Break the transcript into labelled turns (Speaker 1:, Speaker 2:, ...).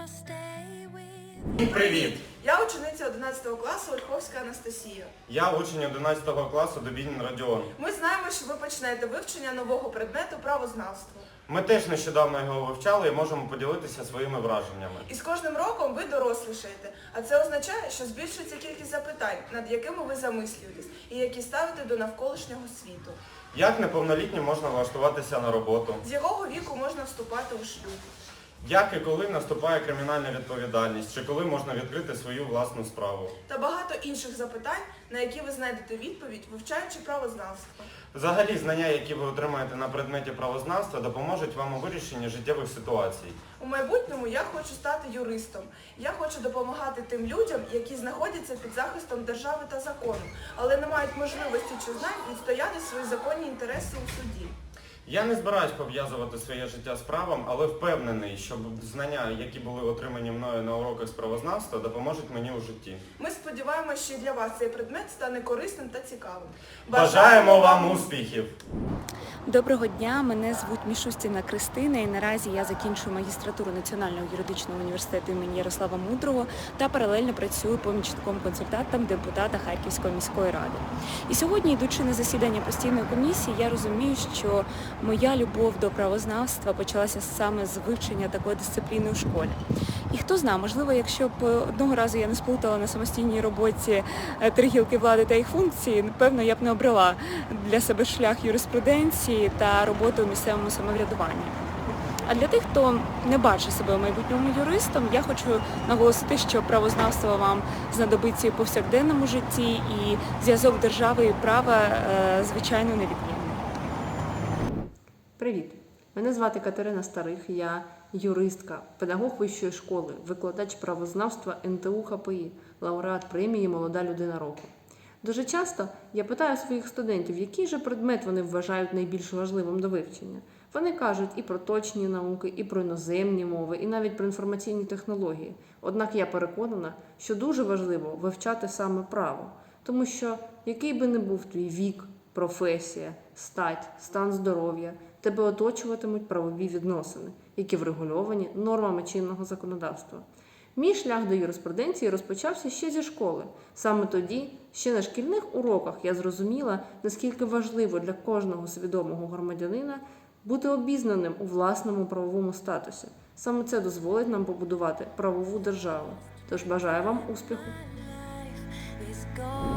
Speaker 1: Привіт!
Speaker 2: Я учениця 11 класу Ольховська Анастасія.
Speaker 1: Я учень 11 класу Дубінін Родіон.
Speaker 2: Ми знаємо, що ви почнете вивчення нового предмету правознавства.
Speaker 1: Ми теж нещодавно його вивчали і можемо поділитися своїми враженнями.
Speaker 2: І з кожним роком ви дорослішаєте, а це означає, що збільшується кількість запитань, над якими ви замислюєтесь, і які ставите до навколишнього світу.
Speaker 1: Як неповнолітнім можна влаштуватися на роботу?
Speaker 2: З якого віку можна вступати у шлюб?
Speaker 1: Як і коли наступає кримінальна відповідальність, чи коли можна відкрити свою власну справу?
Speaker 2: Та багато інших запитань, на які ви знайдете відповідь, вивчаючи правознавство.
Speaker 1: Взагалі, знання, які ви отримаєте на предметі правознавства, допоможуть вам у вирішенні життєвих ситуацій.
Speaker 2: У майбутньому я хочу стати юристом. Я хочу допомагати тим людям, які знаходяться під захистом держави та закону, але не мають можливості чи знань відстояти свої законні інтереси у суді.
Speaker 1: Я не збираюсь пов'язувати своє життя з правом, але впевнений, що знання, які були отримані мною на уроках з правознавства, допоможуть мені у житті.
Speaker 2: Ми сподіваємося, що і для вас цей предмет стане корисним та цікавим.
Speaker 1: Бажаємо вам успіхів!
Speaker 3: Доброго дня, мене звуть Мішустіна Кристина і наразі я закінчую магістратуру Національного юридичного університету імені Ярослава Мудрого та паралельно працюю помічником-консультантом депутата Харківської міської ради. І сьогодні, йдучи на засідання постійної комісії, я розумію, що моя любов до правознавства почалася саме з вивчення такої дисципліни у школі. І хто знає, можливо, якщо б одного разу я не сплутала на самостійній роботі три гілки влади та їх функції, напевно, я б не обрала для себе шлях юриспруденції та роботи у місцевому самоврядуванні. А для тих, хто не бачить себе в майбутньому юристом, я хочу наголосити, що правознавство вам знадобиться і в повсякденному житті, і зв'язок держави і права, звичайно, невідмінний.
Speaker 4: Привіт! Мене звати Катерина Старих, я юристка, педагог вищої школи, викладач правознавства НТУ ХПІ, лауреат премії «Молода людина року». Дуже часто я питаю своїх студентів, який же предмет вони вважають найбільш важливим до вивчення. Вони кажуть і про точні науки, і про іноземні мови, і навіть про інформаційні технології. Однак я переконана, що дуже важливо вивчати саме право, тому що який би не був твій вік, професія, стать, стан здоров'я, тебе оточуватимуть правові відносини, які врегульовані нормами чинного законодавства. Мій шлях до юриспруденції розпочався ще зі школи. Саме тоді, ще на шкільних уроках, я зрозуміла, наскільки важливо для кожного свідомого громадянина бути обізнаним у власному правовому статусі. Саме це дозволить нам побудувати правову державу. Тож бажаю вам успіху!